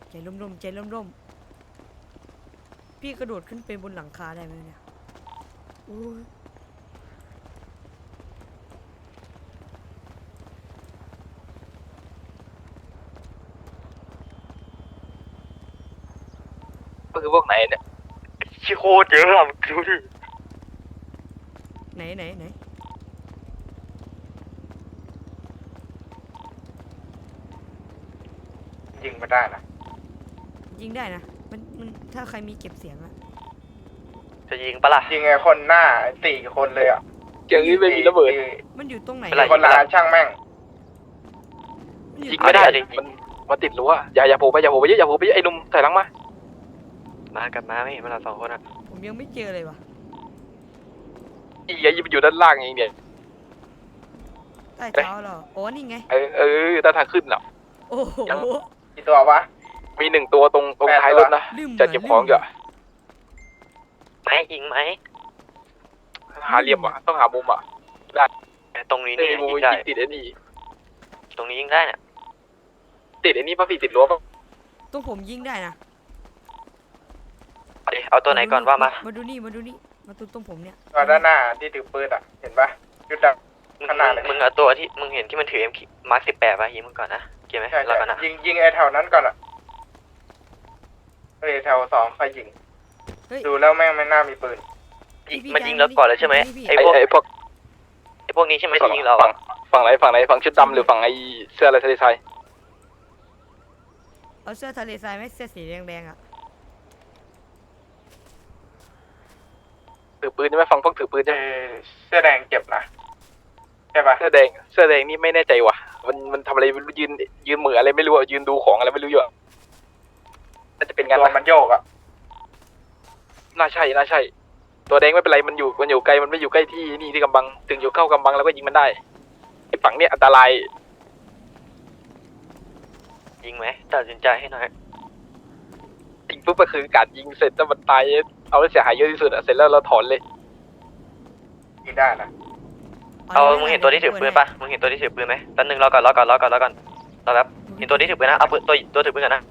ใจร่มๆใจร่มๆพี่กระโดดขึ้นไปบนหลังคาได้ไหมเนี่ยโอ้ยก็คือพวกไหนเนี่ยชิโคตรเยอะอะดูดิไหนยิงไม่ได้นะยิงได้นะมันถ้าใครมีเก็บเสียงอะจะยิงปะล่ะยิงไอ้คนหน้า4 คนเลยอ่ะเกี่ยวนี้ไม่มีระเบิดมันอยู่ตรงไหนเป็นไรคนละช่างแม่งมันอยู่ยิงตรงไม่ได้หนมันติดรั้วอย่าโผล่ไปเยอะไอ้หนุ่มถอยหลังมากับมาไม่เห็นมันเรา2 คนอ่ะผมยังไม่เจอเลยวะยิงอยู่ด้านล่างเองเนี่ยใต้เท้าเหรอโอ้นี่ไงด้านทางขึ้นอ่ะโอ้โหกี่ตัววะมี1 ตัวตรงท้ายรถนะลืมจะเก็บของอยู่ไหมยิงไหมหาเหลี่ยมอ่ะต้องหามุมอ่ะได้ตรงนี้นี่นี่มุมยิงได้ติดไอ้นี่ตรงนี้ยิงได้เนี่ยติดไอ้นี่ป่ะพี่ติดรั้วป่ะตรงผมยิงได้นะเอาตัวไหนก่อนว่ามามาดูนี่มาตรงผมเนี่ยตัวด้านหน้าที่ถือปืนอ่ะ เห็นปะจุดดำขนาดเลยมึงเอาตัวที่มึงเห็นที่มันถือมาร์ค18ป่ะยิงมึงก่อนนะเกี่ยวไหมใช่เรากันนะยิงไอ้แถวนั้นก่อนอ่ะแถว2ค่อยยิงเฮ้ยดูแล้วแม่งไม่น่ามีปืนมันยิงเราก่อนเลยใช่ไหมไอ้พวกนี้ใช่ไหมที่ยิงเราฝั่งไหนฝั่งชุดดำหรือฝั่งไอ้เสื้ออะไรทะเลทรายเอาเสื้อทะเลทรายไหมเสื้อสีแดงๆอะถือปืนใช่ไหมฝั่งพวกถือปืนใช่ไหมเสื้อแดงเจ็บนะใช่ปะเสื้อแดงนี่ไม่แน่ใจว่ะมันทำอะไรยืนเหมืออะไรไม่รู้อ่ะยืนดูของอะไรไม่รู้อยู่น่าจะเป็นงานตัวมันโยกอ่ะน่าใช่ตัวแดงไม่เป็นไรมันอยู่ไกลมันไม่อยู่ใกล้ที่นี่ที่กำบังถึงอยู่เข้ากำบังแล้วก็ยิงมันได้ไอ้ฝั่งเนี้ยอันตรายยิงไหมตัดสินใจให้หน่อยยิงปุ๊บก็คือการยิงเสร็จแล้วมันตายเอาแล้วเสียหายเยอะที่สุดอ่ะเสร็จแล้วเราถอนเลยยิงได้นะเอามึงเห็นตัวที่ถือปืนป่ะมึงเห็นตัวที่ถือปืนไหมแป๊บนึงรอก่อนรอแป๊บเห็นตัวที่ถือปืนนะเอาปืนตัวถือปืนกันนะ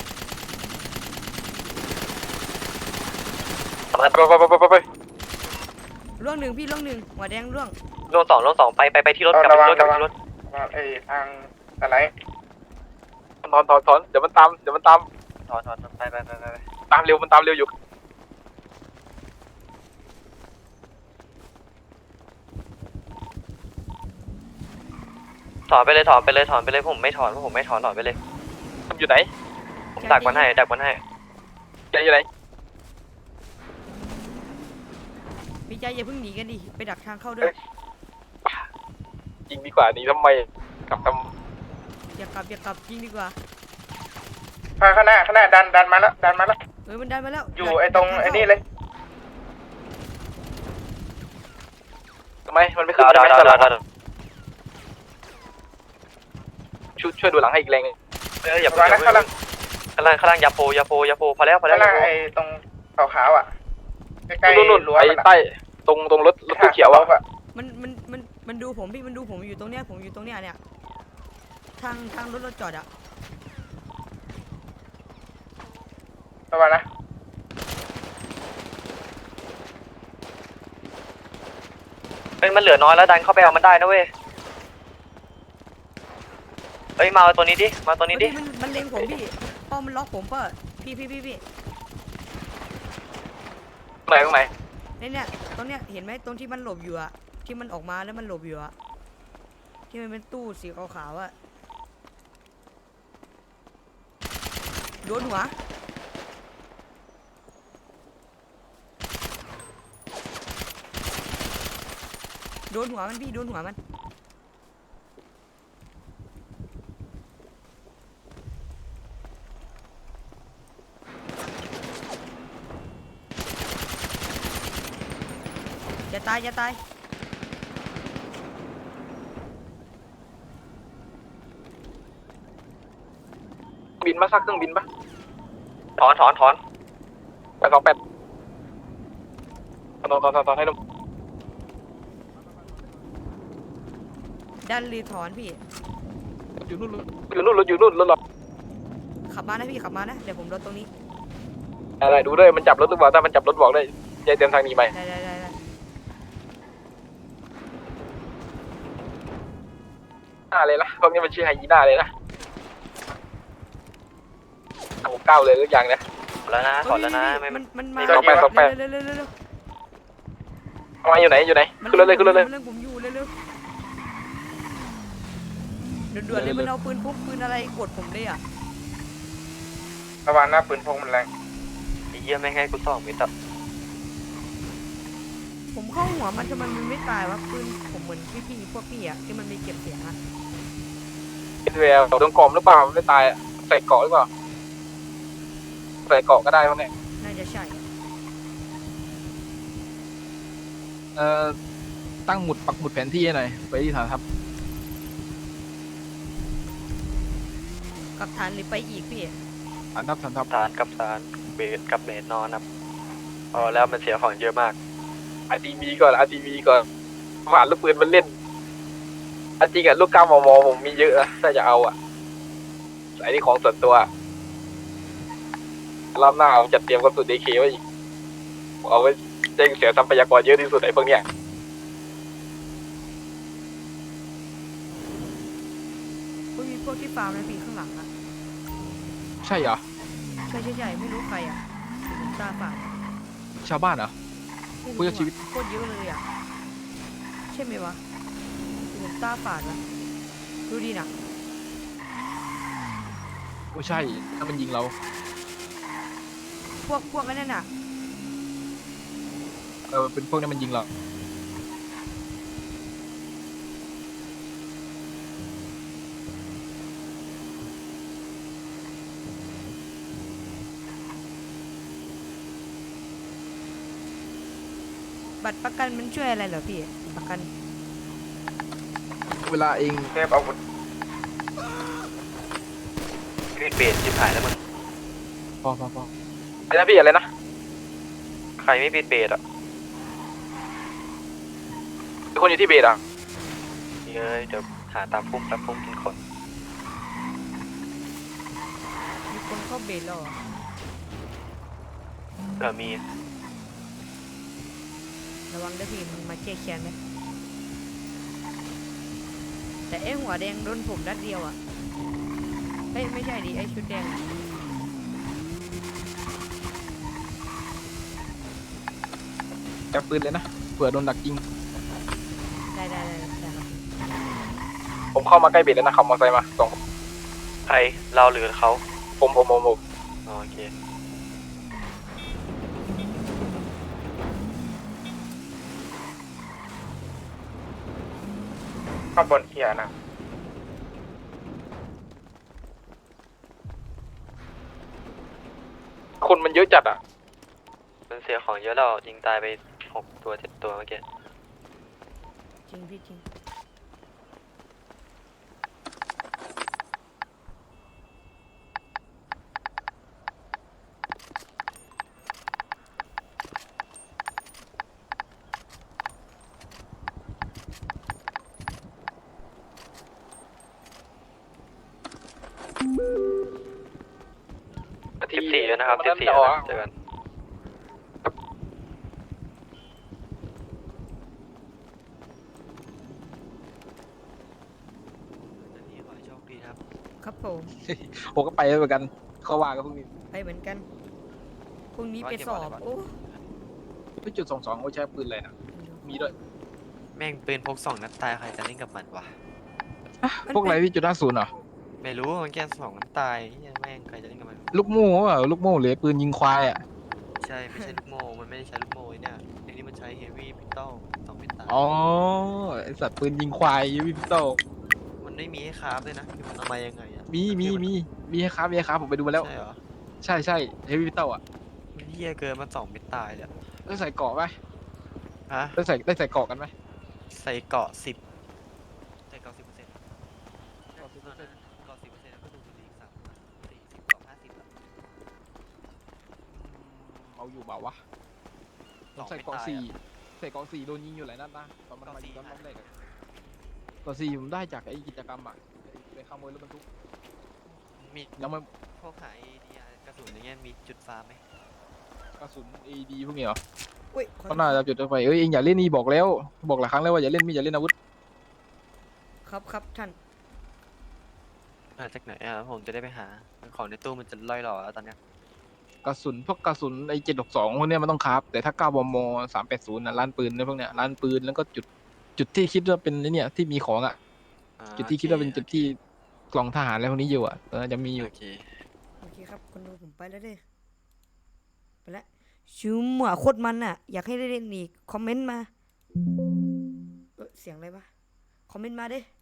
ไปล่วงหนึ่งพี่ล่วงหนึ่งหัวแดงล่วงลงสองไปที่รถกลับไปที่รถทางอะไรถอนเดี๋ยวมันตามถอนไปตามเร็วมันตามเร็วอยู่ถอนไปเลยผมไม่ถอนถอนไปเลยมันอยู่ไหนผมดักมันให้อยู่ไหนพี่ใจอย่าเพิ่งหนีกันดิไปดักทางเข้าด้วยยิงดีกว่านี้ทำไมกลับทอย่ากลับยิงดีกว่าข้างหน้าดันมาแล้วมันได้มาแล้วอยู่ไอ้ตรงไอ้นี่เลยำทำไมมันไม่ขึ้นได้ไหมตลาดช่วยดูหลังให้อีกแรงอย่าข้างล่างข้างล่างยาโปพอแล้วข้างล่างไอ้ตรงขาวๆอ่ะใกล้ๆนู่นรั้วไอ้มันใต้ตรงรถตู้เขียวอ่ะมันดูผมพี่มันดูผมอยู่ตรงเนี้ยเนี่ยทางรถจอดอะระวังนะมันเหลือน้อยแล้วดันเข้าไปเอามันได้นะเว้ยมาตัวนี้ดิมันเล็งผมพี่ป้อมันล็อกผมเปล่าพี่ตรงไหนเนี่ยตรงเนี้ยเห็นไหมตรงที่มันหลบอยู่อะที่มันออกมาแล้วมันหลบอยู่อะที่มันเป็นตู้สีขาวๆอะโดนหัวมันพี่โดนหัวมันอย่าตายบินมาซักเครื่องบินปะถอนไป28ถอนให้นุ่มดันรีถอนพี่อยู่นู่นรถหรอขับมานะพี่ขับมานะเดี๋ยวผมรถตรงนี้อะไรดูด้วยมันจับรถหรือเปล่าถ้ามันจับรถบอกได้ยายเตรียมทางหนีไปได้หน้าเลยนะพวกนี้มันชื่อไฮยีน่าเลยนะผมก้าวเลยทุกอย่างนะขอแล้วนะขอแล้วนะไม่มันมาสองแปดเร็วเอามาอยู่ไหนขึ้นรถเลยขึ้นรถเลยมันเรื่องผมอยู่เร็วด่วนๆเลยมันเอาปืนพกปืนอะไรกดผมเลยอ่ะระวังหน้าปืนพกมันแรงไอ้เหี้ยไม่ให้กูส่องมิตรผมเข้าหัวมันทำไมมันไม่ตายวะปืนผมเหมือนพี่พวกพี่อ่ะที่มันมีเก็บเสียงอ่ะเป็นแววโดนกลมหรือเปล่าไม่ตายใส่เกาะหรือเปล่าใส่เกาะก็ได้พวกนี้น่าจะใช่ตั้งหมุดปักหมุดแผนที่ให้หน่อยไปที่ฐานทัพกับฐานหรือไปอีกพี่ฐานทัพฐานกับฐานเบสกับเบสนอนครับพอแล้วมันเสียของเยอะมาก RTV ก่อน RTV ก่อนผ่านลูกปืนมันเล่นอันจริงอะลูก9 มมผมมีเยอะนะถ้าจะเอาอะไอ้นี่ของส่วนตัวรอบหน้าผมจัดเตรียมกระสุน DK ไว้อีกเอาไว้แจ้งเสียทรัพยากรเยอะที่สุดไอ้พวกเนี้ยก็มีพวกที่ฟาร์มนะพี่ข้างหลังอ่ะใช่เหรอใช่ไม่รู้ใครอ่ะผมตาฝาดชาวบ้านเหรอไม่รู้ผู้รอดชีวิตโคตรเยอะเลยอ่ะใช่ไหมวะผมตาฝาดวะดูดีนะโอ้ใช่ถ้ามันยิงเราพวกนั่นน่ะเป็นพวกนี้มันยิงเราบัตรประกันมันช่วยอะไรเหรอพี่ประกันเวลาเองเทพอาวุธมีดเบสชิบหายแล้วมึงพออะไรนะพี่อะไรนะใครไม่ปิดเบสอ่ะมีคนอยู่ที่เบสอ่ะเฮ้ยเดี๋ยวหาตามพุ่มกินคนมีคนเข้าเบสแล้วเหรอมีระวังด้วยพี่มันมาแก้แค้นไหมแต่ไอ้หัวแดงโดนผมนัดเดียวอ่ะเฮ้ยไม่ใช่ดิไอ้ชุดแดงแอบปืนเลยนะเผื่อโดนดักยิงได้ครับผมเข้ามาใกล้เบสแล้วนะขับมอเตอร์ไซค์มาสองใครเราหรือเขาผมอ๋อโอเคข้างบนเขียนะคนมันเยอะจัดอ่ะมันเสียของเยอะแล้วยิงตายไป6 ตัว7 ตัวเมื่อกี้จริงพี่จริง 14แล้วนะครับ14แล้วนะเจอกันนี่ขอให้โชคดีครับครับผมผมก็ไปเหมือนกันเขาว่ากับพวกนี้ไปเหมือนกันพรุ่งนี้ไปสอบโอ้ไปจุด22โอ้ใช้ปืนอะไรนะมีด้วยแม่งปืนพก2 นัดตายใครจะเล่นกับมันวะพวกอะไรพี่จุด50เหรอไม่รู้มันแค่2 นัดตายเหี้ยแม่งใครจะเล่นกับมันลูกโม่เปล่าลูกโม่หรือปืนยิงควายอ่ะใช่ไม่ใช่ลูกโม่มันไม่ได้ใช้ลูกโม่ไอ้เนี่ยไอ้นี่มันใช้เฮฟวี่พิสตอล2 เป็นตายอ๋อไอสัตว์ปืนยิงควายยูวิพิโตมันไม่มีให้คราฟเลยนะมันเอามายังไงอะมีให้ครับผมไปดูมาแล้วใช่เหรอใช่เฮฟวิพิโตอ่ะมันเหี้ยเกินมัน2 เป็นตายเลยอะได้ใส่เกราะไหมฮะได้ใส่เกราะกันไหมใส่เกาะ10ใส่เกาะ10%เกาะ10%ก็ดูดีอีก3 40 เกาะ 50อะเอาอยู่เปล่าวะ 2 ใส่เป็นเกราะตาย 4 อะใส่เกราะ4โดนยิงอยู่หลายนัดนะตอนมันมายิงเกราะ4 รอบแรกอะเกราะ4ผมได้จากไอ้กิจกรรมอ่ะไปขโมยรถบรรทุกมึงมียังไม่พวกขายดีกระสุนอย่างเงี้ยมีจุดฟาร์มไหมกระสุน AD พวกนี้เหรออุ้ยขอเขาน่าจะจุดไฟเอ้ยเองอย่าเล่นนี่บอกแล้วบอกหลายครั้งแล้วว่าอย่าเล่นมีดอย่าเล่นอาวุธครับครับท่านมาจากไหนอ่ะผมจะได้ไปหาของในตู้มันจะล่อยหล่อแล้วตอนเนี้ยกระสุนพวกกระสุนไอ้762พวกเนี้ยมันต้องคราฟแต่ถ้า9 มม. 380นะร้านปืนเนี่ยพวกเนี้ยร้านปืนแล้วก็จุดที่คิดว่าเป็นไอ้เนี่ยที่มีของอ่ะอ่าจุดที่คิดว่าเป็นจุดที่กล่องทหารอะไรพวกนี้อยู่อ่ะจะมีอยู่โอเคโอเคครับคนดูผมไปแล้วเด้อไปแล้วชิวหมัวโคตรมันอ่ะ อยากให้ได้เล่นอีกคอมเมนต์มาเสียงอะไรวะคอมเมนต์มาเด้